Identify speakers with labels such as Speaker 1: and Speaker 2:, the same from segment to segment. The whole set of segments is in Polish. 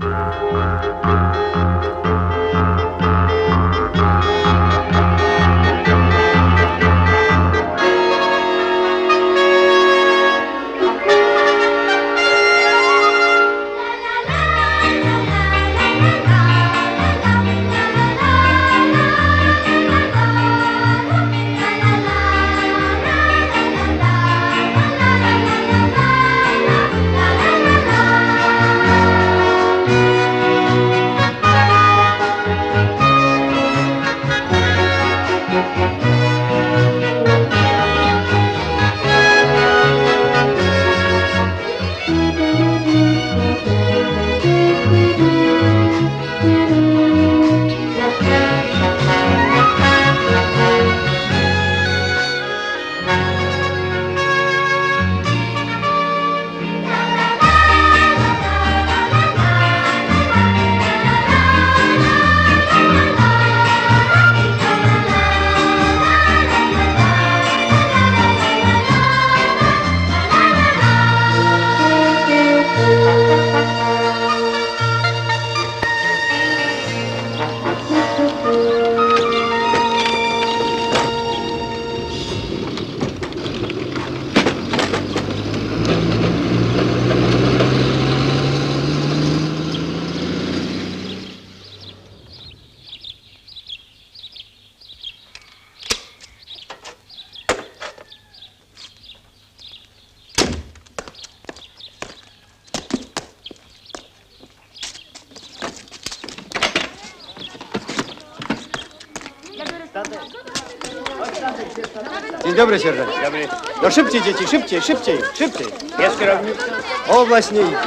Speaker 1: Dzień dobry, sierżancie.
Speaker 2: Dobry.
Speaker 1: No szybciej, dzieci, szybciej, szybciej, szybciej.
Speaker 2: Jest kierownik?
Speaker 1: O, właśnie idzie.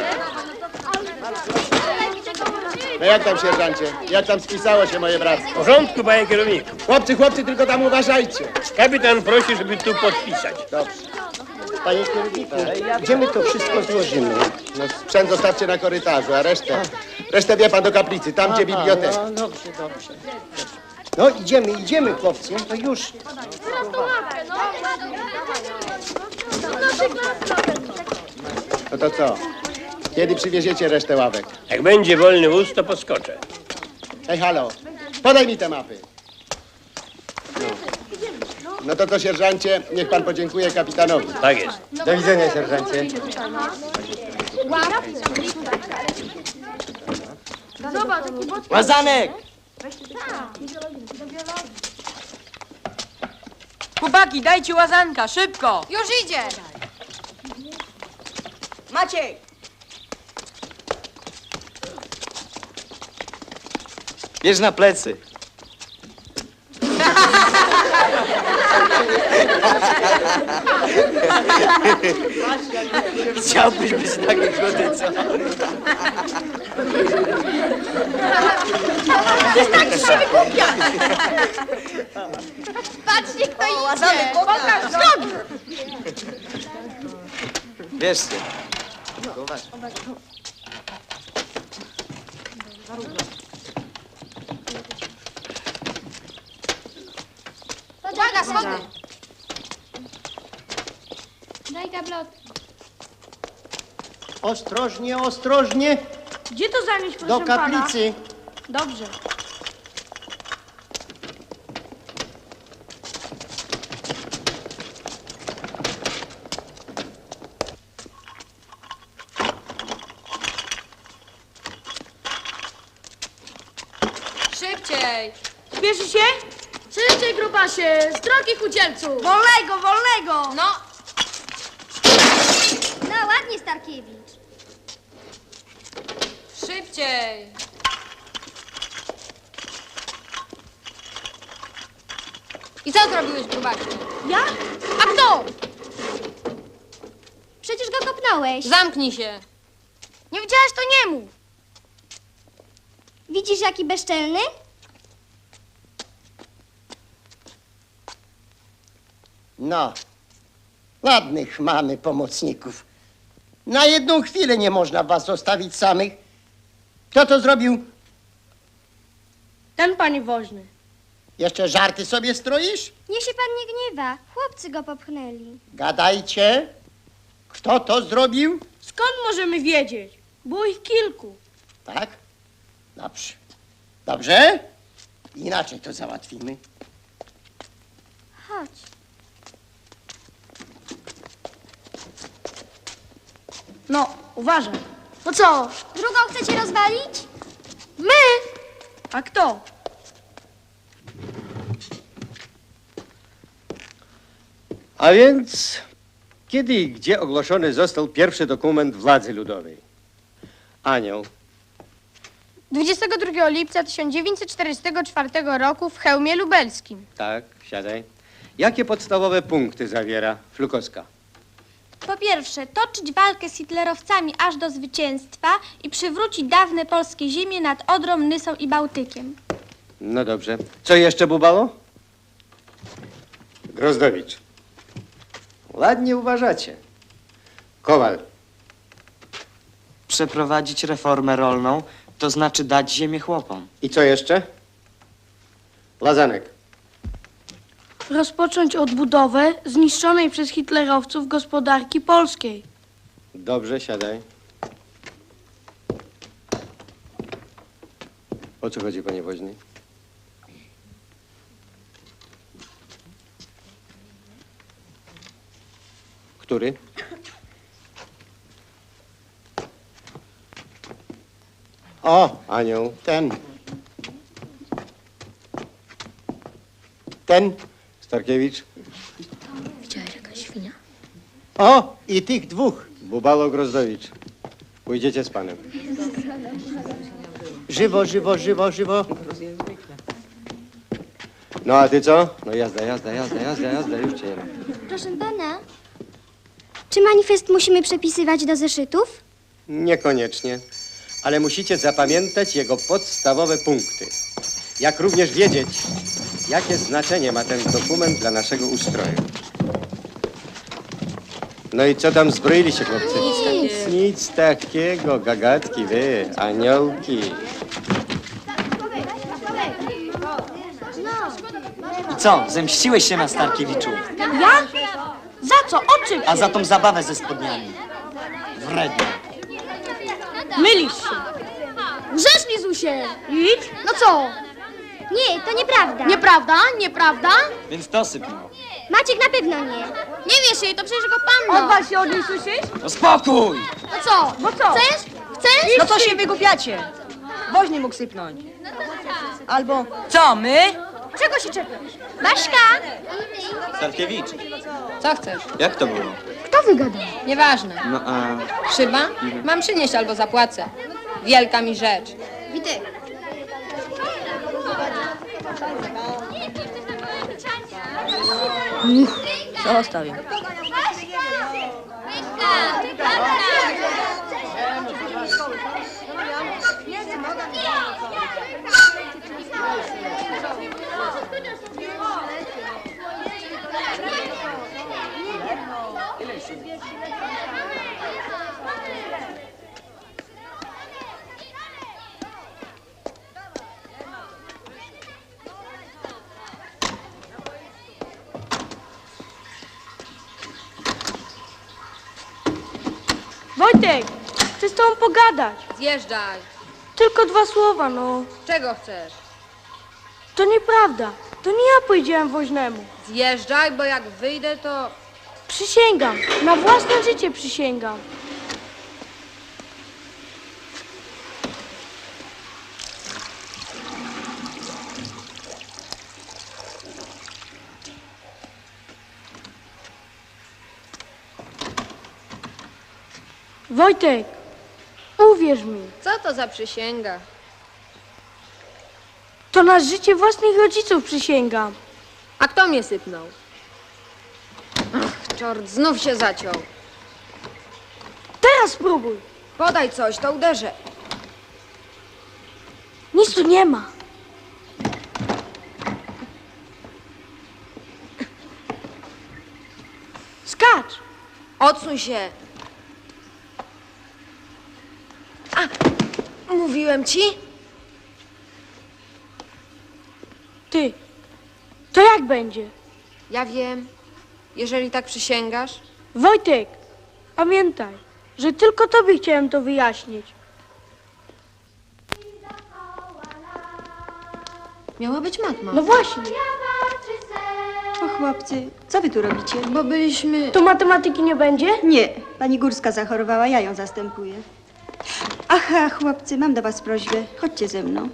Speaker 3: No jak tam, sierżancie? Jak tam spisało się moje bractwo?
Speaker 2: W porządku, panie kierowniku.
Speaker 3: Chłopcy, tylko tam uważajcie.
Speaker 2: Kapitan prosi, żeby tu podpisać.
Speaker 3: Dobrze.
Speaker 1: Panie kierowniku, gdzie my to wszystko złożymy?
Speaker 3: No sprzęt zostawcie na korytarzu, a resztę wie pan do kaplicy, tam gdzie biblioteka.
Speaker 1: No, dobrze, dobrze. No idziemy, chłopcy, to już.
Speaker 3: No to co? Kiedy przywieziecie resztę ławek?
Speaker 2: Jak będzie wolny wóz, to podskoczę.
Speaker 3: Hej, halo, podaj mi te mapy. No to co, sierżancie, niech pan podziękuje kapitanowi.
Speaker 2: Tak jest.
Speaker 1: Do widzenia, sierżancie. Łazanek!
Speaker 4: Chłopaki, dajcie łazanka, szybko!
Speaker 5: Już idzie!
Speaker 4: Maciej!
Speaker 1: Bierz na plecy. Chciałbyś być taki kruty, co?
Speaker 5: Patrzcie, kto idzie! Pokaż nogi!
Speaker 1: Bierzcie.
Speaker 5: Uwaga, schody! Daj gablot.
Speaker 1: Ostrożnie, ostrożnie.
Speaker 6: Gdzie to zanieść, proszę
Speaker 1: Do kaplicy.
Speaker 6: Pana? Dobrze.
Speaker 4: Szybciej!
Speaker 6: Spieszy się? Szybciej, grubasie! Z drogi chudzielcu!
Speaker 5: Wolnego, wolnego!
Speaker 4: No,
Speaker 5: No, ładnie, Starkiewicz.
Speaker 4: szybciej! I co zrobiłeś, grubasie?
Speaker 6: Ja?
Speaker 5: A kto? Przecież go kopnąłeś.
Speaker 4: Zamknij się!
Speaker 5: Nie widziałaś, to nie mów. Widzisz, jaki bezczelny?
Speaker 1: No, ładnych mamy pomocników. Na jedną chwilę nie można was zostawić samych. Kto to zrobił?
Speaker 6: Ten, panie woźny.
Speaker 1: Jeszcze żarty sobie stroisz?
Speaker 5: Niech się pan nie gniewa. Chłopcy go popchnęli.
Speaker 1: Gadajcie. Kto to zrobił?
Speaker 6: Skąd możemy wiedzieć? Było ich kilku.
Speaker 1: Tak? Dobrze. Dobrze? Inaczej to załatwimy.
Speaker 5: Chodź.
Speaker 6: No, uważaj. No co?
Speaker 5: Drugą chcecie rozwalić?
Speaker 6: My? A kto?
Speaker 2: A więc kiedy i gdzie ogłoszony został pierwszy dokument władzy ludowej? Anioł.
Speaker 7: 22 lipca 1944 roku w Chełmie Lubelskim.
Speaker 2: Tak, siadaj. Jakie podstawowe punkty zawiera Flukowska?
Speaker 5: Po pierwsze, toczyć walkę z hitlerowcami aż do zwycięstwa i przywrócić dawne polskie ziemie nad Odrą, Nysą i Bałtykiem.
Speaker 2: No dobrze. Co jeszcze, Bubalo? Grozdowicz. Ładnie uważacie. Kowal.
Speaker 8: Przeprowadzić reformę rolną, to znaczy dać ziemię chłopom.
Speaker 2: I co jeszcze? Lazanek.
Speaker 6: Rozpocząć odbudowę zniszczonej przez hitlerowców gospodarki polskiej.
Speaker 2: Dobrze, siadaj. O co chodzi, panie woźny? Który?
Speaker 1: O,
Speaker 2: Anioł.
Speaker 1: ten. Ten.
Speaker 2: Starkiewicz.
Speaker 1: O, i tych dwóch.
Speaker 2: Bubalo, Grozdowicz. Pójdziecie z panem.
Speaker 1: Żywo, żywo, żywo, żywo.
Speaker 2: No a ty co? No jazda, jazda, jazda, jazda, jazda, już cię nie ma.
Speaker 5: Proszę pana, czy manifest musimy przepisywać do zeszytów?
Speaker 2: Niekoniecznie, ale musicie zapamiętać jego podstawowe punkty. Jak również wiedzieć, jakie znaczenie ma ten dokument dla naszego ustroju. No i co tam zbroili się, chłopcy? Nic takiego, gagatki wy, aniołki.
Speaker 8: I co, zemściłeś się na Starkiewiczu?
Speaker 6: Ja? Za co? O czym?
Speaker 8: A za tą zabawę ze spodniami. Wrednie.
Speaker 6: Mylisz się. Grzesznie, Zusie. Idź. No co?
Speaker 5: Nie, to nieprawda.
Speaker 6: Nieprawda? Nieprawda?
Speaker 8: Więc to sypnął.
Speaker 5: Maciek na pewno nie.
Speaker 7: Nie wiesz jej, to przecież go panno.
Speaker 6: Odwal się od niej, słyszysz?
Speaker 8: No spokój!
Speaker 6: No co? Bo co?
Speaker 7: Chcesz? Chcesz?
Speaker 9: No co się wygłupiacie? Woźny mógł sypnąć. Albo... Co, my?
Speaker 6: Czego się czepiasz?
Speaker 5: Baśka!
Speaker 8: Starkiewicz,
Speaker 4: Co chcesz?
Speaker 8: jak to było?
Speaker 6: Kto wygadał?
Speaker 4: Nieważne.
Speaker 8: No a...
Speaker 4: Szyba? Mam przynieść albo zapłacę. Wielka mi rzecz.
Speaker 5: Witek.
Speaker 9: Zostaw ją.
Speaker 6: Wojtek, chcę z tobą pogadać.
Speaker 4: Zjeżdżaj.
Speaker 6: Tylko 2 słowa, no.
Speaker 4: Czego chcesz?
Speaker 6: To nieprawda. To nie ja powiedziałem woźnemu.
Speaker 4: Zjeżdżaj, bo jak wyjdę, to...
Speaker 6: Przysięgam. Na własne życie przysięgam. Wojtek, uwierz mi,
Speaker 4: Co to za przysięga?
Speaker 6: to na życie własnych rodziców przysięgam.
Speaker 4: A kto mnie sypnął? Ach, czort, znów się zaciął.
Speaker 6: Teraz spróbuj.
Speaker 4: Podaj coś, to uderzę.
Speaker 6: Nic tu nie ma. Skacz.
Speaker 4: Odsuń się. A, mówiłem ci?
Speaker 6: Ty, to jak będzie?
Speaker 4: Ja wiem, jeżeli tak przysięgasz.
Speaker 6: Wojtek, pamiętaj, że tylko tobie chciałem to wyjaśnić.
Speaker 4: Miała być matma.
Speaker 6: No właśnie,
Speaker 10: O chłopcy, co wy tu robicie?
Speaker 4: Bo byliśmy...
Speaker 6: to matematyki nie będzie?
Speaker 10: Nie, pani Górska zachorowała, ja ją zastępuję. Aha, chłopcy, mam do was prośbę. Chodźcie ze mną.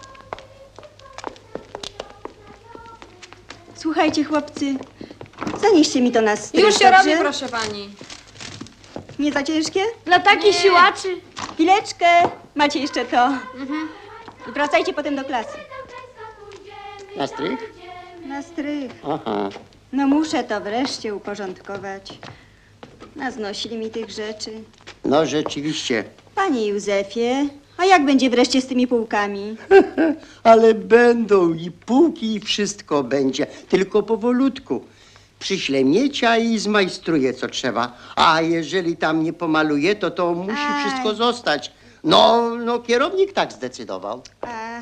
Speaker 10: Słuchajcie, chłopcy, zanieście mi to na strych,
Speaker 4: Już się
Speaker 10: dobrze?
Speaker 4: robi, proszę pani.
Speaker 10: Nie za ciężkie?
Speaker 6: Dla takich siłaczy.
Speaker 10: Chwileczkę, macie jeszcze to. I wracajcie potem do klasy.
Speaker 1: Na strych?
Speaker 10: Na strych.
Speaker 1: Aha.
Speaker 10: No muszę to wreszcie uporządkować. Naznosili mi tych rzeczy.
Speaker 1: No rzeczywiście.
Speaker 10: Panie Józefie, a jak będzie wreszcie z tymi półkami?
Speaker 1: Ale będą i półki i wszystko będzie, tylko powolutku. Przyślę miecia i zmajstruję co trzeba. A jeżeli tam nie pomaluje, to musi
Speaker 10: Aj.
Speaker 1: wszystko zostać. No, kierownik tak zdecydował.
Speaker 10: A,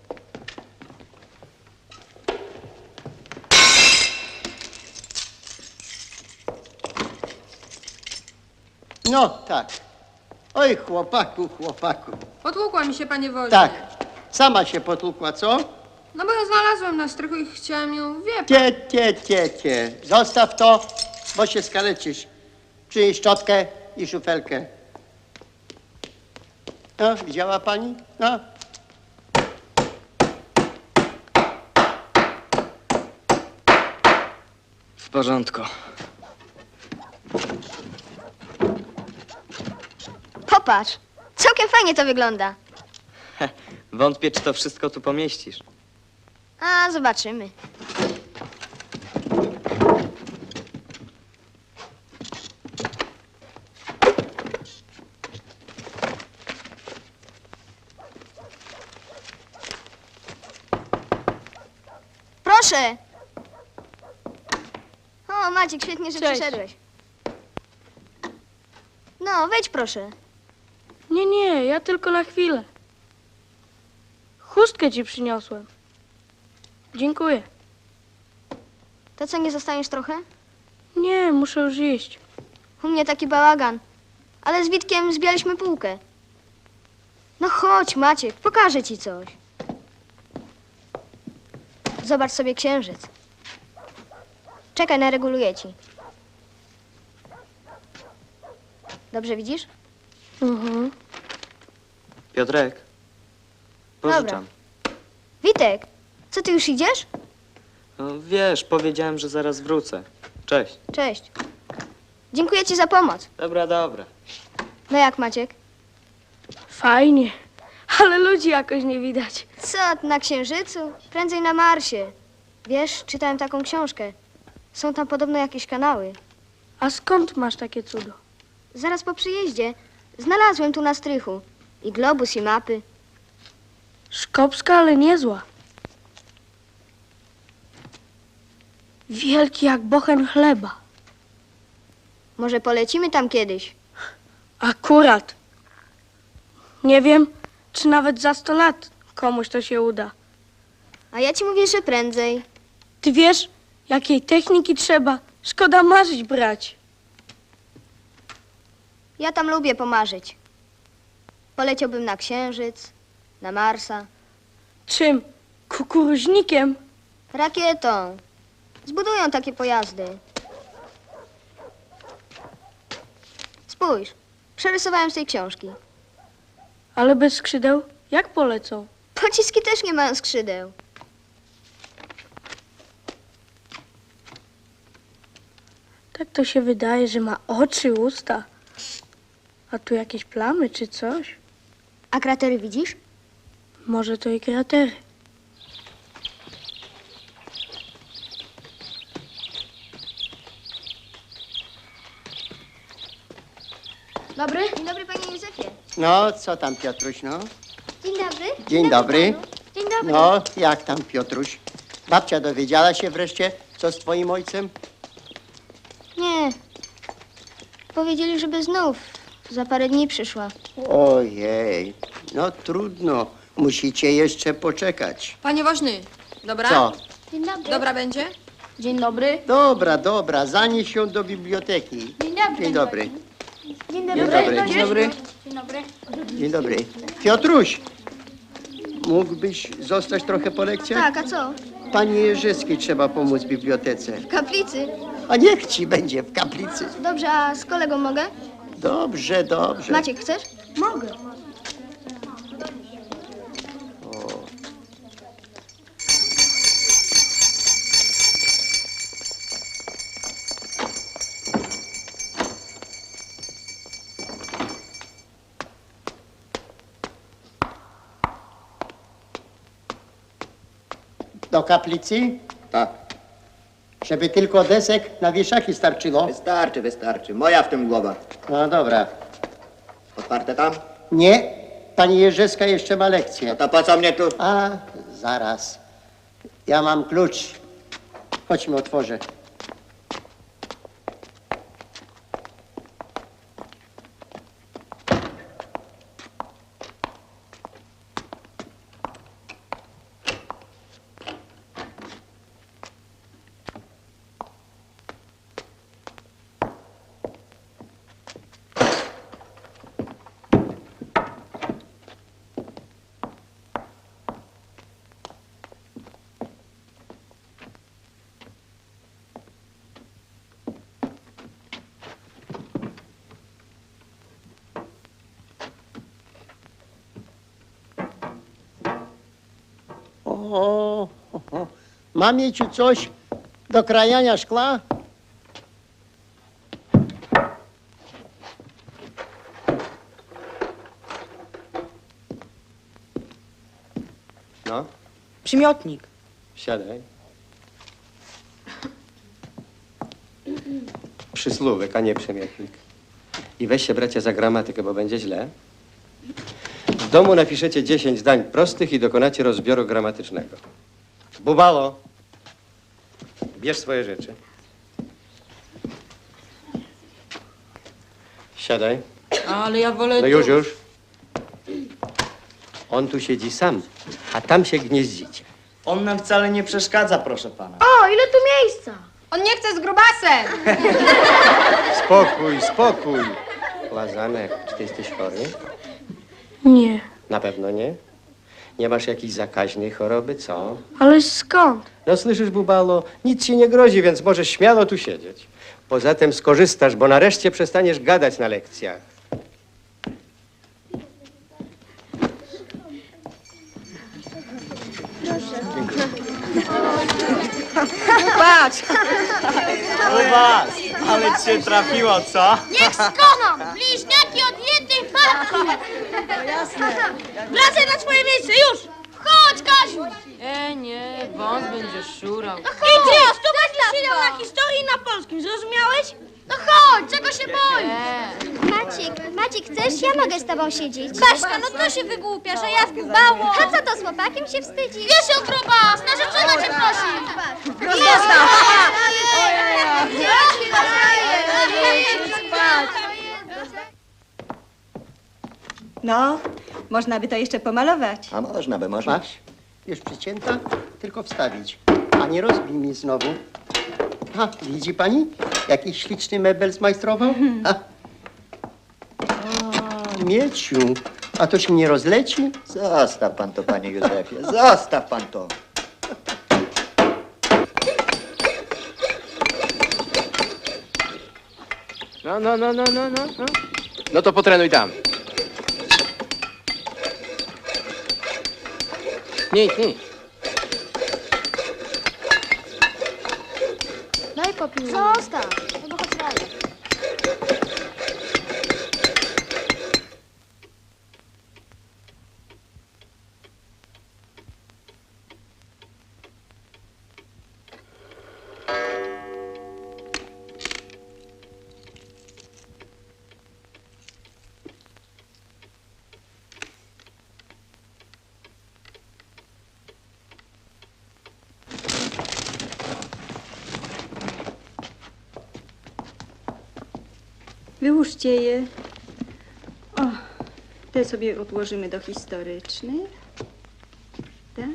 Speaker 1: No, tak. Oj, chłopaku.
Speaker 4: Potłukła mi się, panie woźny.
Speaker 1: Tak, sama się potłukła, co?
Speaker 4: No bo ją znalazłem na strychu i chciałam ją, wie pan.
Speaker 1: Tie. Zostaw to, bo się skaleczysz. Przynieś szczotkę i szufelkę. No, widziała pani? No.
Speaker 8: W porządku.
Speaker 7: Popatrz, całkiem fajnie to wygląda.
Speaker 8: Wątpię, czy to wszystko tu pomieścisz.
Speaker 7: A, zobaczymy. Proszę! O, Maciek, świetnie, że
Speaker 6: Cześć.
Speaker 7: przyszedłeś. No, wejdź proszę.
Speaker 6: Nie, ja tylko na chwilę. Chustkę ci przyniosłem. Dziękuję.
Speaker 7: To co, nie zostaniesz trochę?
Speaker 6: Nie, muszę już iść.
Speaker 7: U mnie taki bałagan. Ale z Witkiem zbijaliśmy półkę. No chodź, Maciek, pokażę ci coś. Zobacz sobie księżyc. Czekaj, nareguluję ci. Dobrze widzisz?
Speaker 6: Mhm.
Speaker 8: Piotrek, pożyczam.
Speaker 7: Witek, co ty już idziesz?
Speaker 8: No, wiesz, powiedziałem, że zaraz wrócę. Cześć.
Speaker 7: Cześć. Dziękuję ci za pomoc.
Speaker 8: Dobra.
Speaker 7: No jak, Maciek?
Speaker 6: Fajnie, ale ludzi jakoś nie widać.
Speaker 7: Co, na Księżycu? Prędzej na Marsie. Wiesz, czytałem taką książkę. Są tam podobno jakieś kanały.
Speaker 6: A skąd masz takie cudo?
Speaker 7: Zaraz po przyjeździe znalazłem tu na strychu. I globus, i mapy.
Speaker 6: Szkopska, ale niezła. Wielki jak bochen chleba.
Speaker 7: Może polecimy tam kiedyś?
Speaker 6: Akurat. Nie wiem, czy nawet za 100 lat komuś to się uda.
Speaker 7: A ja ci mówię, że prędzej.
Speaker 6: Ty wiesz, jakiej techniki trzeba? Szkoda marzyć brać.
Speaker 7: Ja tam lubię pomarzyć. Poleciałbym na Księżyc, na Marsa,
Speaker 6: Czym? Kukuruźnikiem?
Speaker 7: rakietą. Zbudują takie pojazdy. Spójrz, przerysowałem z tej książki.
Speaker 6: Ale bez skrzydeł? Jak polecą?
Speaker 7: Pociski też nie mają skrzydeł.
Speaker 6: Tak to się wydaje, że ma oczy, usta. A tu jakieś plamy czy coś?
Speaker 7: A kratery widzisz?
Speaker 6: Może to i kratery.
Speaker 7: Dobry? Dzień dobry, panie Józefie.
Speaker 1: No, co tam, Piotruś, no?
Speaker 7: Dzień dobry.
Speaker 1: Dzień dobry.
Speaker 7: Dzień dobry.
Speaker 1: No, jak tam, Piotruś? Babcia dowiedziała się wreszcie, co z twoim ojcem?
Speaker 7: Nie. Powiedzieli, żeby znów za parę dni przyszła.
Speaker 1: Ojej, no trudno. Musicie jeszcze poczekać.
Speaker 4: Panie woźny, dobra?
Speaker 1: Co?
Speaker 7: Dzień dobry.
Speaker 4: Dobra będzie?
Speaker 6: Dzień dobry.
Speaker 1: Dobra, zanieś ją do biblioteki. Dzień dobry.
Speaker 7: Dzień
Speaker 1: Dzień dobry. Dzień dobry. Dzień dobry. Piotruś, mógłbyś zostać trochę po lekcjach?
Speaker 7: Tak, a co?
Speaker 1: Pani Jerzyskiej trzeba pomóc w bibliotece.
Speaker 7: W kaplicy.
Speaker 1: A niech ci będzie w kaplicy.
Speaker 7: Dobrze, a z kolegą mogę?
Speaker 1: Dobrze, dobrze.
Speaker 7: Maciek, chcesz? Mogę.
Speaker 1: Do kaplicy?
Speaker 3: Tak.
Speaker 1: Żeby tylko desek na wieszaki starczyło?
Speaker 3: Wystarczy, wystarczy. Moja w tym głowa.
Speaker 1: No dobra.
Speaker 3: Otwarte tam?
Speaker 1: Nie, pani Jerzyska jeszcze ma lekcję.
Speaker 3: No to po co mnie tu?
Speaker 1: A, zaraz. Ja mam klucz. Chodźmy, otworzę. O, mam mieć coś do krajania szkla?
Speaker 2: No,
Speaker 9: Przymiotnik.
Speaker 2: siadaj. Przysłówek, a nie przymiotnik. I weź się, bracia, za gramatykę, bo będzie źle. W domu napiszecie 10 zdań prostych i dokonacie rozbioru gramatycznego. Bubalo, bierz swoje rzeczy. Siadaj.
Speaker 9: Ale ja wolę...
Speaker 2: No już. On tu siedzi sam, a tam się gnieździcie.
Speaker 8: On nam wcale nie przeszkadza, proszę pana.
Speaker 7: O, ile tu miejsca!
Speaker 4: On nie chce z grubasem.
Speaker 2: Spokój, spokój. Łazanek, czy ty jesteś chory?
Speaker 6: Nie,
Speaker 2: Na pewno nie. Nie masz jakiejś zakaźnej choroby, co?
Speaker 6: ale skąd?
Speaker 2: No słyszysz, Bubalo, nic ci nie grozi, więc możesz śmiało tu siedzieć. Poza tym skorzystasz, bo nareszcie przestaniesz gadać na lekcjach.
Speaker 9: Patrz!
Speaker 8: U was! Ale cię trafiło, co?
Speaker 7: Niech skoną! Bliźniaki od jednej matki! Wracaj na swoje miejsce, już! Chodź, Kaziu!
Speaker 9: Nie, wąs będzie szurał.
Speaker 7: Idź, tu będziesz siedział na historii i na polskim, zrozumiałeś? No chodź, czego się boisz? Maciek, chcesz? Ja mogę z tobą siedzieć. Baśka, no to się wygłupia, że ja zgubało. A co to, z chłopakiem się wstydzi? Wiesz, grubas, narzeczona cię prosi.
Speaker 10: No, można by to jeszcze pomalować.
Speaker 3: A można by, można.
Speaker 1: Masz? Już przycięta? Tylko wstawić. A nie rozbij mi znowu. A, widzi pani? Jakiś śliczny mebel zmajstrował? A, Mieciu, a to się nie rozleci?
Speaker 3: Zostaw pan to, panie Józefie. Zostaw pan to.
Speaker 11: No. No to potrenuj tam. Nic.
Speaker 7: Daj popiół. Zostaw, no chodź dalej.
Speaker 10: Wyłóżcie je. O, te sobie odłożymy do historycznych. Tak?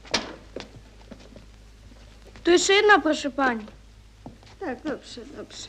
Speaker 6: Tu jeszcze jedna, proszę pani.
Speaker 10: Tak, dobrze, dobrze.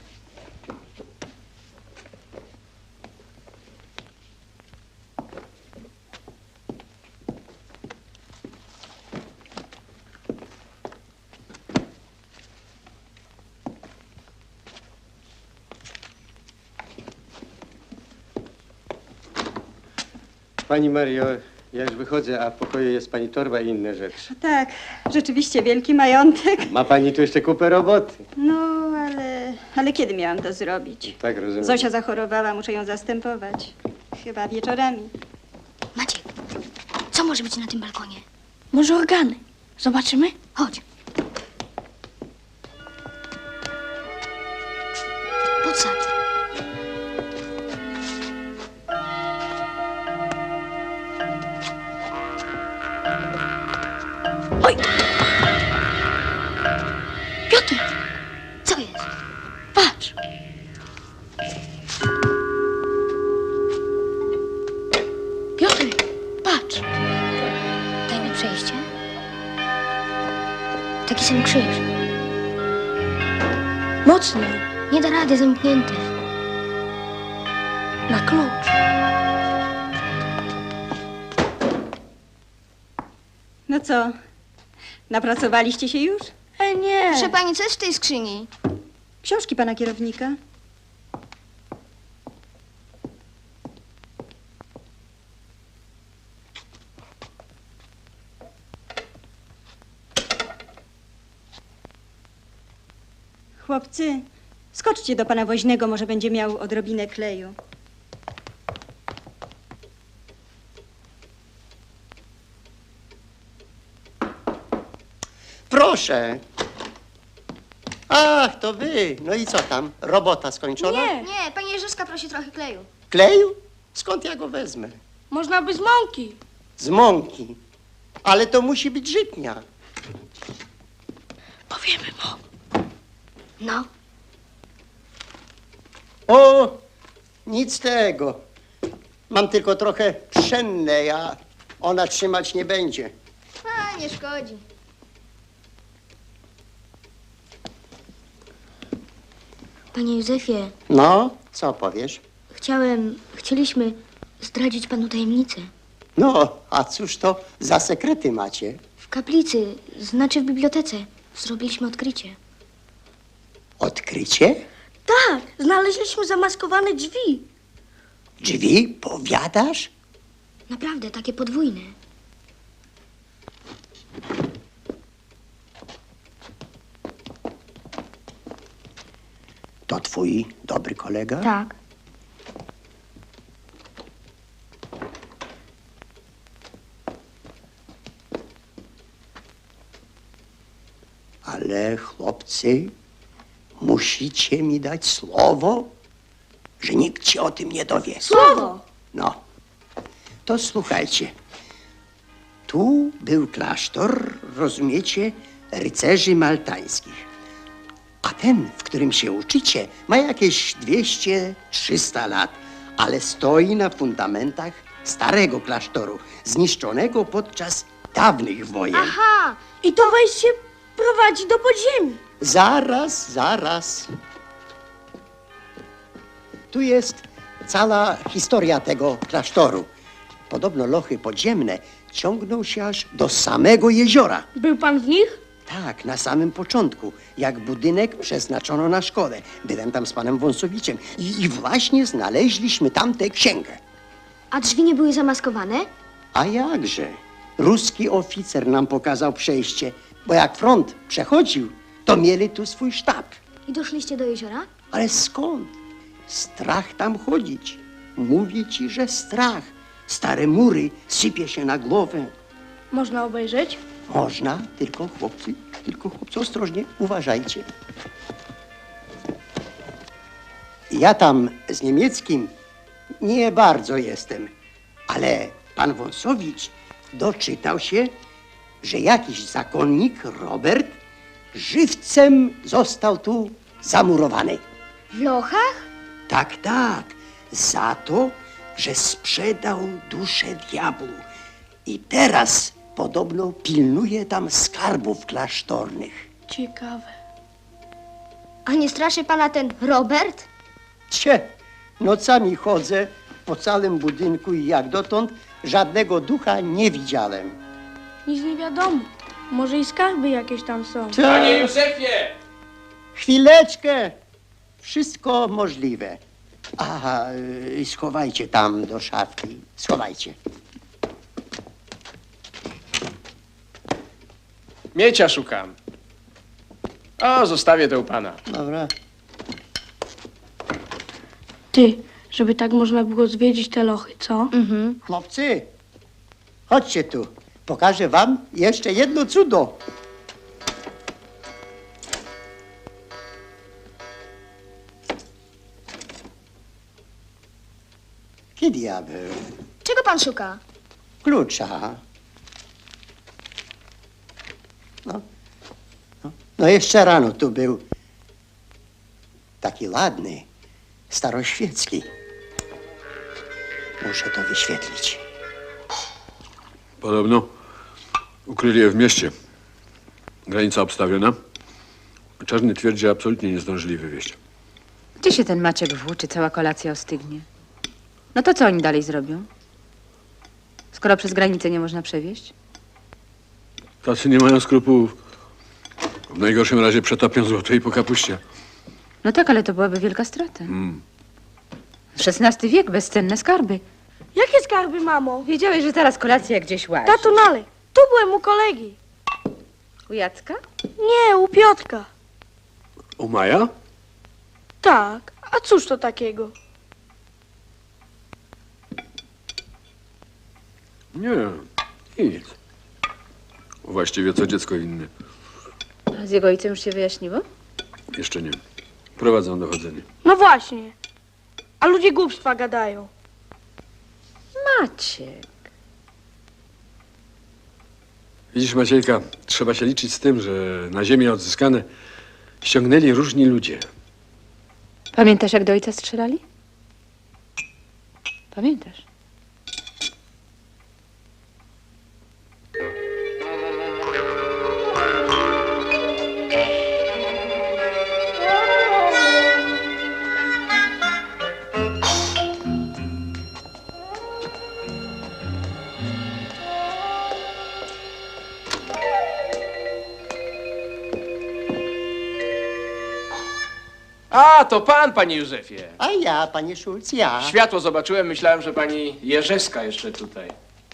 Speaker 2: Pani Mario, ja już wychodzę, a w pokoju jest pani torba i inne rzeczy.
Speaker 10: Tak, rzeczywiście wielki majątek.
Speaker 2: Ma pani tu jeszcze kupę roboty.
Speaker 10: No, ale kiedy miałam to zrobić?
Speaker 2: Tak, rozumiem.
Speaker 10: Zosia zachorowała, muszę ją zastępować. Chyba wieczorami.
Speaker 7: Maciek, co może być na tym balkonie?
Speaker 6: Może organy? Zobaczymy?
Speaker 7: Chodź. Podsadź.
Speaker 6: Oj! Piotr,
Speaker 7: Co jest?
Speaker 6: patrz! Piotr, patrz!
Speaker 7: Tajne przejście? Taki sam krzyż.
Speaker 6: Mocniej,
Speaker 7: Nie da rady, zamknięty.
Speaker 6: na klucz.
Speaker 10: No co? Napracowaliście się już?
Speaker 6: Nie.
Speaker 7: Proszę pani, co jest w tej skrzyni?
Speaker 10: Książki pana kierownika. Chłopcy, skoczcie do pana woźnego, może będzie miał odrobinę kleju.
Speaker 1: Proszę. Ach, to wy. No i co tam? Robota skończona?
Speaker 6: Nie,
Speaker 7: Nie, pani Jerzyska prosi trochę kleju.
Speaker 1: Kleju? Skąd ja go wezmę?
Speaker 6: można by z mąki.
Speaker 1: Z mąki. Ale to musi być żytnia.
Speaker 6: Powiemy mu.
Speaker 7: No,
Speaker 1: O, nic z tego. Mam tylko trochę pszenne, a ona trzymać nie będzie.
Speaker 7: a nie szkodzi. Panie Józefie,
Speaker 1: No, co powiesz?
Speaker 7: chcieliśmy zdradzić panu tajemnicę.
Speaker 1: No, a cóż to za sekrety macie?
Speaker 7: W kaplicy, znaczy w bibliotece, zrobiliśmy odkrycie.
Speaker 1: Odkrycie?
Speaker 6: Tak, znaleźliśmy zamaskowane drzwi.
Speaker 1: Drzwi? Powiadasz?
Speaker 7: Naprawdę, takie podwójne.
Speaker 1: To twój dobry kolega?
Speaker 7: Tak.
Speaker 1: Ale chłopcy, musicie mi dać słowo, że nikt się o tym nie dowie.
Speaker 6: Słowo!
Speaker 1: No, to słuchajcie. Tu był klasztor, rozumiecie, rycerzy maltańskich. A ten, w którym się uczycie, ma jakieś 200-300 lat, ale stoi na fundamentach starego klasztoru, zniszczonego podczas dawnych wojen.
Speaker 7: Aha!
Speaker 6: I to wejście prowadzi do podziemi.
Speaker 1: Zaraz. Tu jest cała historia tego klasztoru. Podobno lochy podziemne ciągną się aż do samego jeziora.
Speaker 6: Był pan w nich?
Speaker 1: Tak, na samym początku, jak budynek przeznaczono na szkołę. Byłem tam z panem Wąsowiciem i właśnie znaleźliśmy tam tę księgę.
Speaker 7: A drzwi nie były zamaskowane?
Speaker 1: A jakże? Ruski oficer nam pokazał przejście, bo jak front przechodził, to mieli tu swój sztab.
Speaker 7: I doszliście do jeziora?
Speaker 1: Ale skąd? Strach tam chodzić. Mówię ci, że strach. Stare mury sypie się na głowę.
Speaker 6: Można obejrzeć?
Speaker 1: Można, tylko chłopcy, ostrożnie, uważajcie. Ja tam z niemieckim nie bardzo jestem, ale pan Wąsowicz doczytał się, że jakiś zakonnik, Robert, żywcem został tu zamurowany.
Speaker 7: W lochach?
Speaker 1: Tak, za to, że sprzedał duszę diabłu. I teraz podobno pilnuje tam skarbów klasztornych.
Speaker 6: Ciekawe.
Speaker 7: A nie straszy pana ten Robert?
Speaker 1: Nocami chodzę po całym budynku i jak dotąd żadnego ducha nie widziałem.
Speaker 6: Nic nie wiadomo. Może i skarby jakieś tam są.
Speaker 11: Panie Józefie!
Speaker 1: Chwileczkę! Wszystko możliwe. Aha, schowajcie tam do szafki. Schowajcie.
Speaker 11: Miecia szukam. O, zostawię to u pana.
Speaker 1: Dobra.
Speaker 6: Ty, żeby tak można było zwiedzić te lochy, co?
Speaker 1: Chłopcy, chodźcie tu. Pokażę wam jeszcze jedno cudo. Ki diabeł?
Speaker 7: Czego pan szuka?
Speaker 1: Klucza. No jeszcze rano tu był taki ładny, staroświecki. Muszę to wyświetlić.
Speaker 12: Podobno ukryli je w mieście. Granica obstawiona. Czarny twierdzi, że absolutnie nie zdążyli wywieźć.
Speaker 4: Gdzie się ten Maciek włóczy, cała kolacja ostygnie? No to co oni dalej zrobią? Skoro przez granicę nie można przewieźć?
Speaker 12: Tacy nie mają skrupułów. W najgorszym razie przetopią złoto i po kapuście.
Speaker 4: No tak, ale to byłaby wielka strata. XVI wiek, bezcenne skarby.
Speaker 6: Jakie skarby, mamo?
Speaker 4: Wiedziałeś, że teraz kolacja gdzieś łazi.
Speaker 6: Tato, nalej. Tu byłem u kolegi.
Speaker 4: U Jacka?
Speaker 6: Nie, u Piotrka.
Speaker 12: U Maja?
Speaker 6: Tak, a cóż to takiego?
Speaker 12: Nie, nic. Właściwie co dziecko inne.
Speaker 4: A z jego ojcem już się wyjaśniło?
Speaker 12: Jeszcze nie. Prowadzą dochodzenie.
Speaker 6: No właśnie. A ludzie głupstwa gadają.
Speaker 4: Maciek.
Speaker 12: Widzisz, Maciejka, trzeba się liczyć z tym, że na ziemię odzyskane ściągnęli różni ludzie.
Speaker 4: Pamiętasz, jak do ojca strzelali? Pamiętasz?
Speaker 11: A, to pan, panie Józefie.
Speaker 1: A ja, panie Szulc, ja.
Speaker 11: Światło zobaczyłem, myślałem, że pani Jerzewska jeszcze tutaj.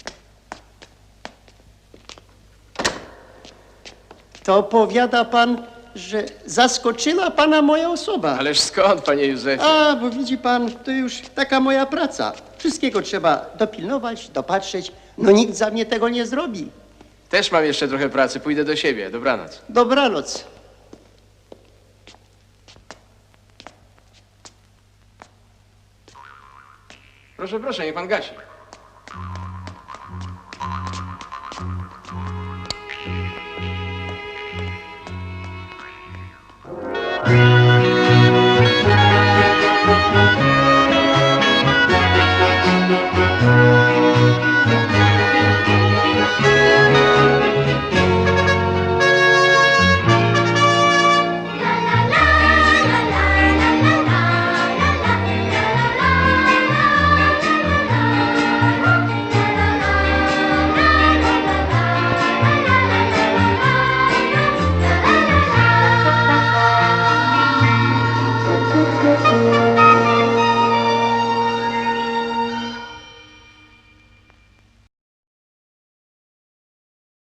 Speaker 1: To powiada pan, że zaskoczyła pana moja osoba.
Speaker 11: Ależ skąd, panie Józefie?
Speaker 1: A, bo widzi pan, to już taka moja praca. Wszystkiego trzeba dopilnować, dopatrzeć. No nikt za mnie tego nie zrobi.
Speaker 11: Też mam jeszcze trochę pracy, pójdę do siebie. Dobranoc.
Speaker 1: Dobranoc.
Speaker 11: Proszę, proszę, niech pan gasi.